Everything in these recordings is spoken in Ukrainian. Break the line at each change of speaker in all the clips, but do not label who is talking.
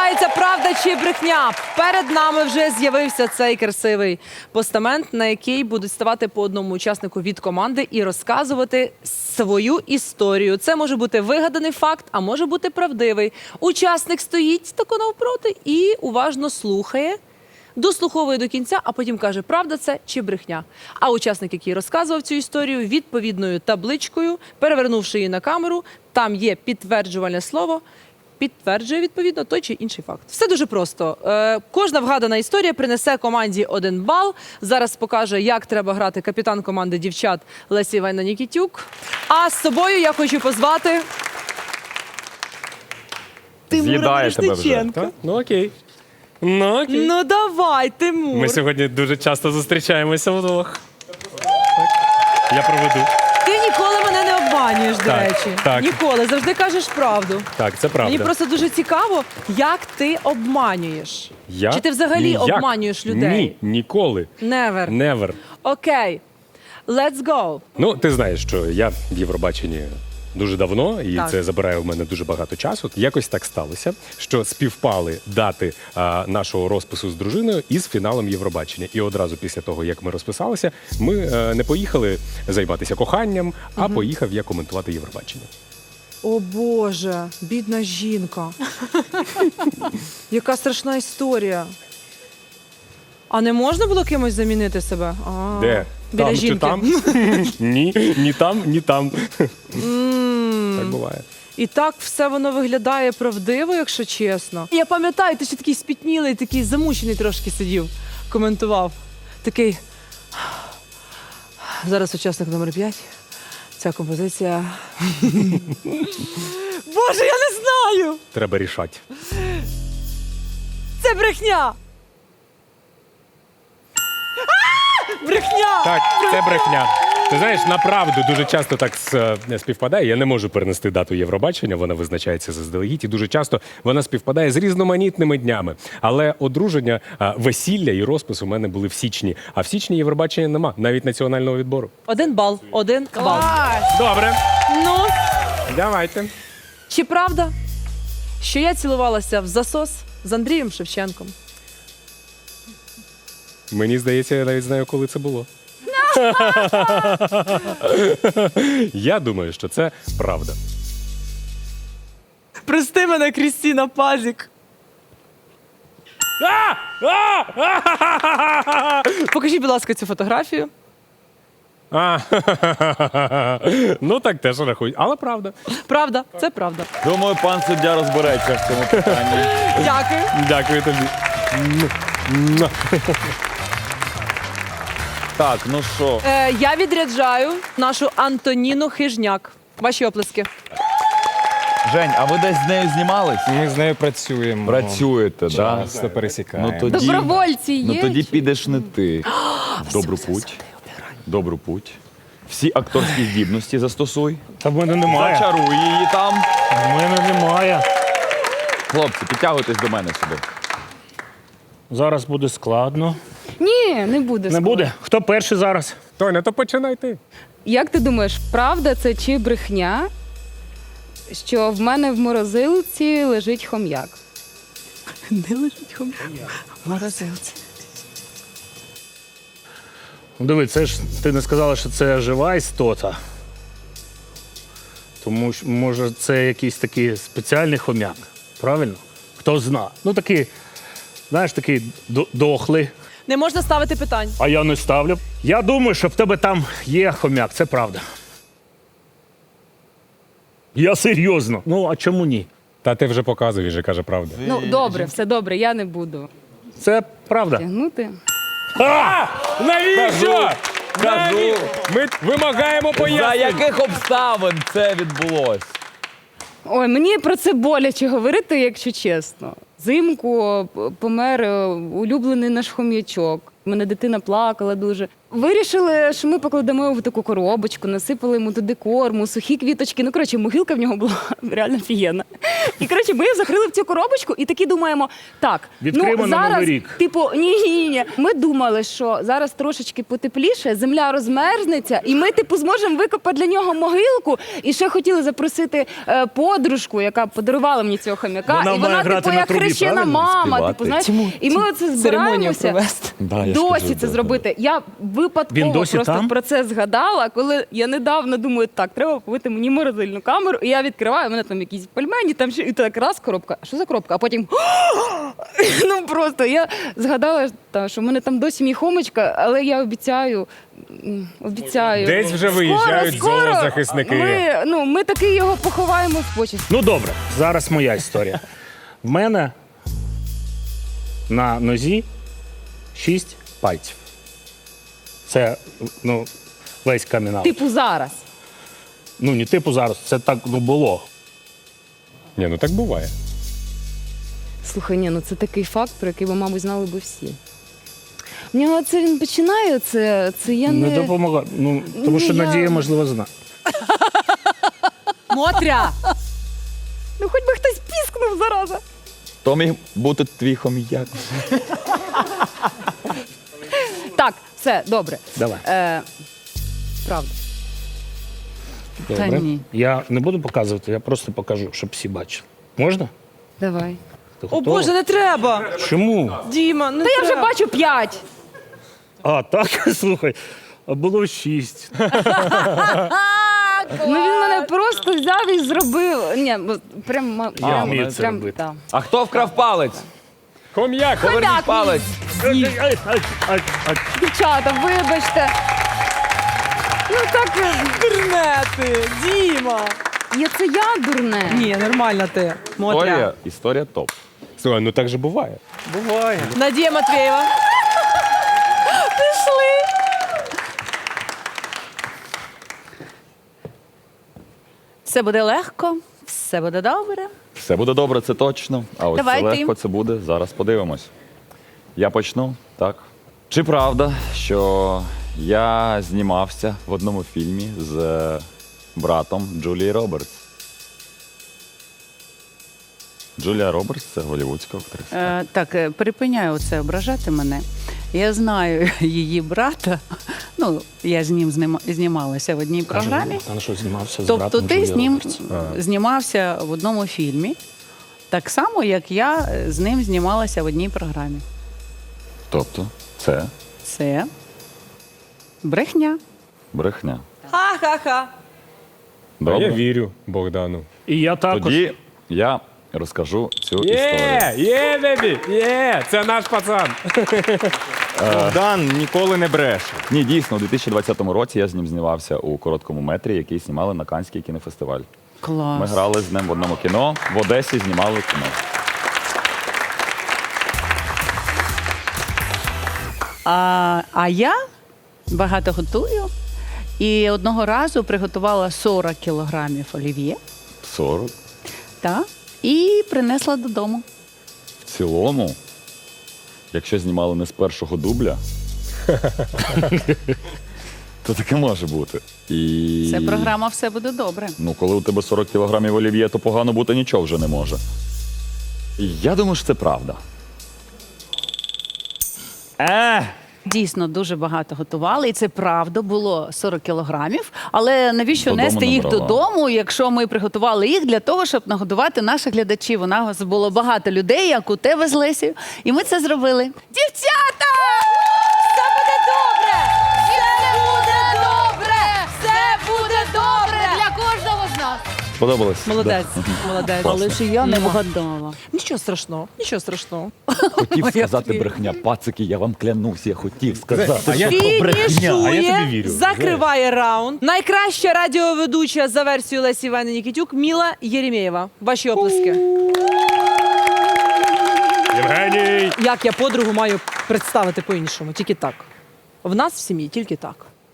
Називається «Правда чи брехня». Перед нами вже з'явився цей красивий постамент, на який будуть ставати по одному учаснику від команди і розказувати свою історію. Це може бути вигаданий факт, а може бути правдивий. Учасник стоїть тако навпроти і уважно слухає, дослуховує до кінця, а потім каже, правда це чи брехня. А учасник, який розказував цю історію, відповідною табличкою, перевернувши її на камеру, там є підтверджувальне слово, підтверджує, відповідно, той чи інший факт. Все дуже просто. Кожна вгадана історія принесе команді 1 бал. Зараз покаже, як треба грати капітан команди дівчат Леся Іванівна Нікітюк. А з собою я хочу позвати Тимура Мірошниченка.
Ну окей. Ну окей.
Ну давай, Тимур.
Ми сьогодні дуже часто зустрічаємося вдвох. Я проведу.
Ти ніколи мене не обманюєш, до
Так,
речі.
так.
Ніколи. Завжди кажеш правду.
Так, це правда.
Мені просто дуже цікаво, як ти обманюєш.
Я?
Чи ти взагалі
Ніяк.
обманюєш людей?
Ні, ніколи.
Never.
Never.
Окей. Let's go.
Ну, ти знаєш, що я в Євробаченні дуже давно, і
Так.
це забирає в мене дуже багато часу. Якось так сталося, що співпали дати нашого розпису з дружиною із фіналом Євробачення. І одразу після того, як ми розписалися, ми не поїхали займатися коханням, а поїхав я коментувати Євробачення.
О Боже, бідна жінка. Яка страшна історія. А не можна було кимось замінити себе?
Де?
Біля
Там
жінки.
чи там? Ні, ні там, ні там. Так буває.
І так все воно виглядає правдиво, якщо чесно. Я пам'ятаю, ти ще такий спітнілий, такий замучений трошки сидів, коментував. Такий. Зараз учасник номер 5. Ця композиція. Боже, я не знаю!
Треба рішати.
Це брехня! Брехня!
Так, це брехня. Ти знаєш, направду дуже часто так співпадає. Я не можу перенести дату Євробачення, вона визначається заздалегідь, і дуже часто вона співпадає з різноманітними днями. Але одруження, весілля і розпис у мене були в січні. А в січні Євробачення нема, навіть національного відбору.
1 бал. 1 бал.
Добре,
Ну,
давайте.
чи правда, що я цілувалася в засос з Андрієм Шевченком?
Мені здається, я навіть знаю, коли це було. Я думаю, що це правда.
Прости мене, Крістіна Пазік. Покажіть, будь ласка, цю фотографію.
Ну так теж рахують, але правда.
Правда, це правда.
Думаю, пан суддя розбереться в цьому питанні.
Дякую.
Дякую тобі.
Так, ну що,
Я відряджаю нашу Антоніну Хижняк. Ваші оплески.
Жень, а ви десь з нею знімались?
Ми з нею працюємо.
Працюєте, так? Да?
Часто пересікаємо.
Ну тоді,
Добровольці є?
ну тоді підеш не ти. Добру путь. Добру путь. Всі акторські здібності застосуй.
Та в мене немає.
Зачаруй її там.
В мене немає.
Хлопці, підтягуйтесь до мене сюди.
Зараз буде складно.
Ні, не буде.
Не буде? Хто перший зараз?
Тоня, то починай ти.
Як ти думаєш, правда це чи брехня, що в мене в морозилці лежить хом'як?
Де лежить хом'як? В морозилці.
Диви, це ж ти не сказала, що це жива істота. Тому що, може, це якийсь такий спеціальний хом'як. Правильно? Хто зна. Ну такий, знаєш, такий дохлий.
Не можна ставити питань.
А я не ставлю. Я думаю, що в тебе там є хом'як, це правда. Я серйозно. Ну, а чому ні?
Та ти вже показуєш, і каже правда.
Ну, добре, все добре, я не буду
Це правда.
тягнути.
Навіщо?
Кажу,
Ми вимагаємо
за
пояснень.
яких обставин це відбулось?
Ой, мені про це боляче говорити, якщо чесно. Взимку помер улюблений наш хом'ячок. У мене дитина плакала дуже. Вирішили, що ми покладемо його в таку коробочку, насипали йому туди корму, сухі квіточки. Ну, коротше, могилка в нього була реально офігенна. І, коротше, ми його закрили в цю коробочку і такі думаємо, так,
Відкриємо на
зараз,
Новий рік.
типу, ні. Ми думали, що зараз трошечки потепліше, земля розмерзнеться, і ми, типу, зможемо викопати для нього могилку. І ще хотіли запросити подружку, яка подарувала мені цього хомяка.
Вона
і
має
вона,
грати
типу,
на
як
трубі,
хрещена
правильно?
мама,
Співати.
типу, знаєш.
Цьому-
І ми оце
Церемонію
збираємося.
провести.
Да, я ж
Досі
кажу,
це
да,
зробити. Я випадково
Він досі
просто
там?
про це згадала, коли я недавно думаю, так, треба купити мені морозильну камеру, і я відкриваю, у мене там якісь пельмені, там ще і так раз коробка. Що за коробка? А потім ну просто я згадала, що в мене там досі мій хомочка, але я обіцяю.
Десь вже виїжджають зоозахисники.
Ми таки його поховаємо в почесті.
Ну добре, зараз моя історія. В мене на нозі 6 пальців. Це весь камінал.
Типу зараз.
Ну, не типу зараз, це так було.
Ні, ну так буває.
Слухай, це такий факт, про який ви, мабуть, знали би всі. В нього це він починає, це я
Не
не...
допомагає. Тому що
я-
Надія, можливо, знає.
Мотря!
Ну хоч би хтось піскнув, зараза.
То міг бути твій хом'як.
Так, все, добре.
Давай.
Правда.
Добре.
ні.
Я не буду показувати, я просто покажу, щоб всі бачили. Можна?
Давай.
Ти
О
готова?
Боже, не треба!
Чому?
Діма, не
Та я
треба.
вже бачу 5.
А, так, слухай, а було 6.
Ну він мене просто взяв і зробив. Ні, прям
вмію це робити.
так.
А хто вкрав палець?
Хом'як!
Поверніть палець.
Дівчата, вибачте. Ну так,
Дурнети! Діма!
це я дурне.
Ні, нормально ти. Мотря.
Історія топ.
Слухай, ну так же буває.
Буває.
Надія Матвєєва. Все буде легко, все буде добре.
Все буде добре, це точно. А ось
Давай
це
ти.
легко це буде. Зараз подивимось. Я почну, так. Чи правда, що я знімався в одному фільмі з братом Джулії Робертс? Джулія Робертс це голлівудська актриса.
Так, припиняю оце ображати мене. Я знаю її брата. Ну, я з ним знімалася в одній програмі.
А на що знімався з
Тобто
братом
ти
Джулії
з ним
Робертс?
знімався в одному фільмі, так само, як я з ним знімалася в одній програмі.
Тобто, це
Це брехня.
брехня.
Ха-ха-ха.
А я
Добре.
вірю Богдану.
І я також.
Тоді я розкажу цю історію.
Є, бебі, є, це наш пацан.
Богдан ніколи не бреше.
Ні, дійсно, у 2020 році я з ним знімався у короткому метрі, який знімали на Каннський кінофестиваль.
Клас.
Ми грали з ним в одному кіно, в Одесі знімали кіно.
А я багато готую. І одного разу приготувала 40 кілограмів олів'є
40.
і принесла додому.
В цілому, якщо знімали не з першого дубля, то таке може бути. І...
Це програма «Все буде добре».
Ну, коли у тебе 40 кілограмів олів'є, то погано бути нічого вже не може. І я думаю, що це правда.
Дійсно, дуже багато готували, і це правда було 40 кілограмів. Але навіщо
Додому
нести їх
набрала.
додому, якщо ми приготували їх для того, щоб нагодувати наших глядачів? У нас було багато людей, як у тебе з Лесією, і ми це зробили. Дівчата!
Все буде добре! Все буде добре! Все буде добре!
Для кожного з нас.
Сподобалось?
Молодець, молодець.
Але ж я не вгадала.
Нічого страшного, нічого страшного.
Хотів сказати
твій.
брехня. Пацики, я вам клянусь, я хотів сказати,
А я-
що то брехня.
А я тобі
Фінішує,
вірю.
закриває раунд. Найкраща радіоведуча за версією Лесі Івани Нікітюк Міла Єремєєва. Ваші оплески.
Євгеній!
Як я подругу маю представити по-іншому? Тільки так. В нас в сім'ї тільки так.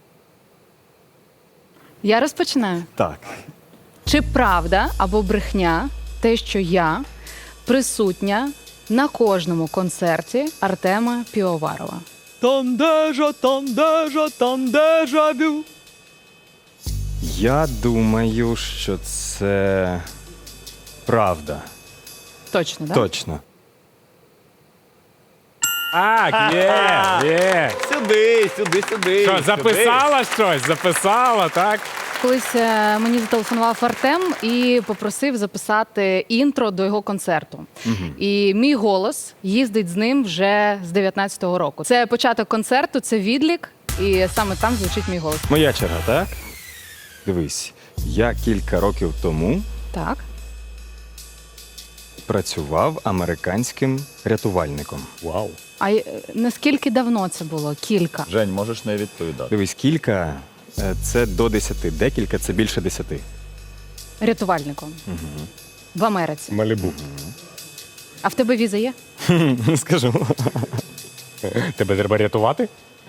Я розпочинаю.
Так.
Чи правда або брехня те, що я присутня на кожному концерті Артема Півоварова?
там дежавю.
Я думаю, що це правда.
Точно, так?
Точно.
Так, є.
Сюди.
Що, записала щось? Записала, так?
Колись мені зателефонував Артем і попросив записати інтро до його концерту. І мій голос їздить з ним вже з 19-го року. Це початок концерту, це відлік, і саме там звучить мій голос.
Моя черга, так? Дивись, я кілька років тому
Так.
працював американським рятувальником.
Вау.
А наскільки давно це було? Кілька.
Жень, можеш не відповідати.
Дивись, кілька це до 10, декілька це більше 10.
Рятувальником. В Америці.
Малібу.
А в тебе віза є?
Скажу.
Тебе треба рятувати?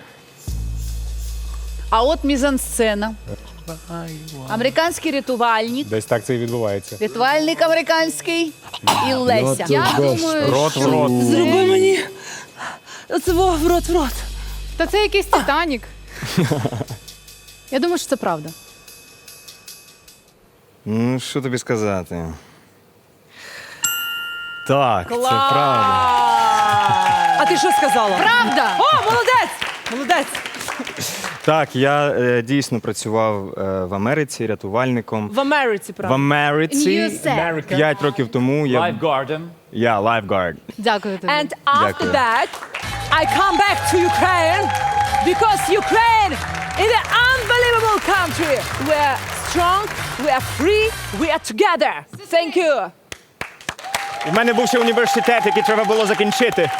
А от мізансцена. Американський рятувальник,
Десь так це і відбувається.
рятувальник американський і Леся.
Я думаю,
Рот в рот.
Зроби мені. Це в рот.
та це якийсь Титанік. Я думаю, що це правда.
Ну, що тобі сказати? Так, це правда.
А ти що сказала?
Правда!
О, молодець!
Так, я дійсно працював в Америці рятувальником.
В Америці,
В
правда.
Америці
In USA.
5 років тому я
Lifeguard.
lifeguard.
Дякую тобі.
And after
Дякую.
that, I come back to Ukraine because Ukraine is an unbelievable country. We are strong, we are free, we are together. Thank you.
У мене був ще університет, який треба було закінчити.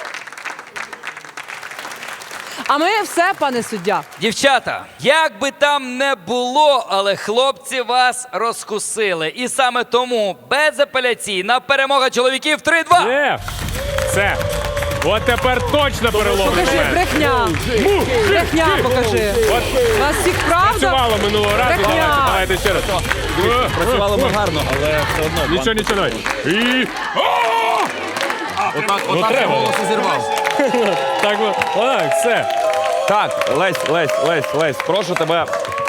А ми все, пане суддя.
Дівчата, як би там не було, але хлопці вас розкусили. І саме тому безапеляційна перемога чоловіків 3-2.
Є. Все. От тепер точно переломний
Покажи,
момент.
брехня. Брехня покажи.
От
У вас всіх правда?
працювало минулого разу.
Брехня.
Давайте ще раз.
Працювали ми гарно, але все одно.
Нічого, давай. І...
Отак
треба.
голос і зірвав.
Так, отак, все.
Так, Лесь, прошу тебе.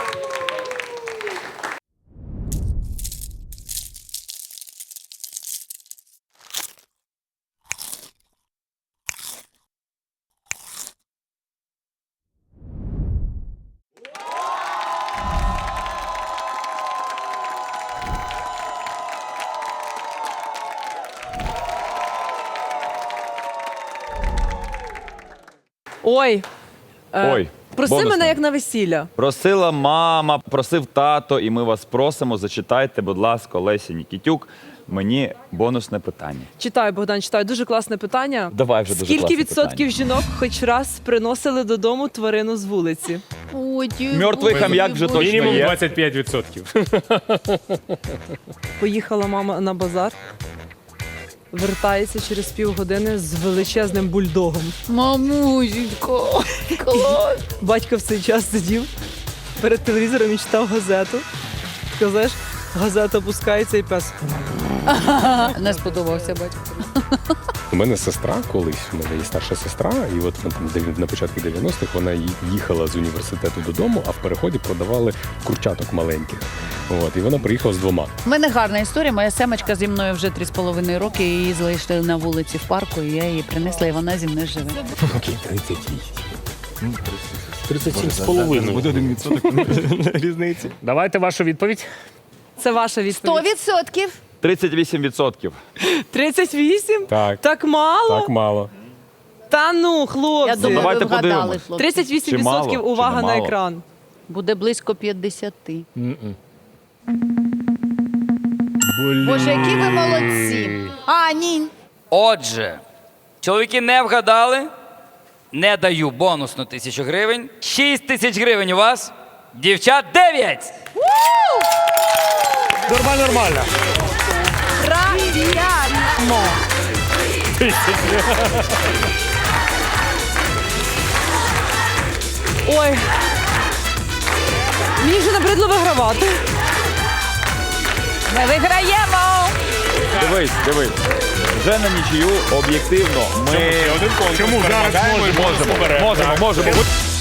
Ой.
Ой,
Проси
бонусне.
мене як на весілля.
Просила мама, просив тато, і ми вас просимо, зачитайте, будь ласка, Лесі Нікітюк, мені бонусне питання.
Читаю, Богдан, читаю. Дуже класне питання.
Давай вже дуже
Скільки
класне
відсотків
питання.
жінок хоч раз приносили додому тварину з вулиці?
Мертвий хам'як вже точно
Мінімум
є.
25%.
Поїхала мама на базар, вертається через півгодини з величезним бульдогом.
Мамусенько, клас.
Батько в цей час сидів перед телевізором і читав газету. Сказаєш, газета опускається і пес.
Не сподобався батько.
У мене сестра колись, у мене є старша сестра, і от на початку 90-х вона їхала з університету додому, а в переході продавали курчаток маленьких. От, і вона приїхала з 2.
У мене гарна історія. Моя семечка зі мною вже 3,5 роки. Її залишили на вулиці в парку, і я її принесла, і вона зі мною живе.
Окей, 37,5.
Буде 1% різниці.
Давайте вашу відповідь.
Це ваша відповідь.
100%.
38%.
38?
Так.
Так мало?
Так мало.
Та ну,
Я
хлопці.
думаю,
Давайте
ви вгадали,
подивимось.
хлопці.
38%
Чи мало, чи
увага
не
на
мало?
екран.
Буде близько 50. Боже, які ви молодці. А, ні.
Отже, чоловіки не вгадали. Не даю бонусну 1000 гривень. 6 тисяч гривень у вас. Дівчат 9.
Нормально.
Правильно.
Ой. Мені вже набридло вигравати.
Ми виграємо.
Дивись. Вже на нічию об'єктивно. Ми
конкурс.
Чому зараз
Перемагаємо і
можемо?
бонус беремо.
Можемо.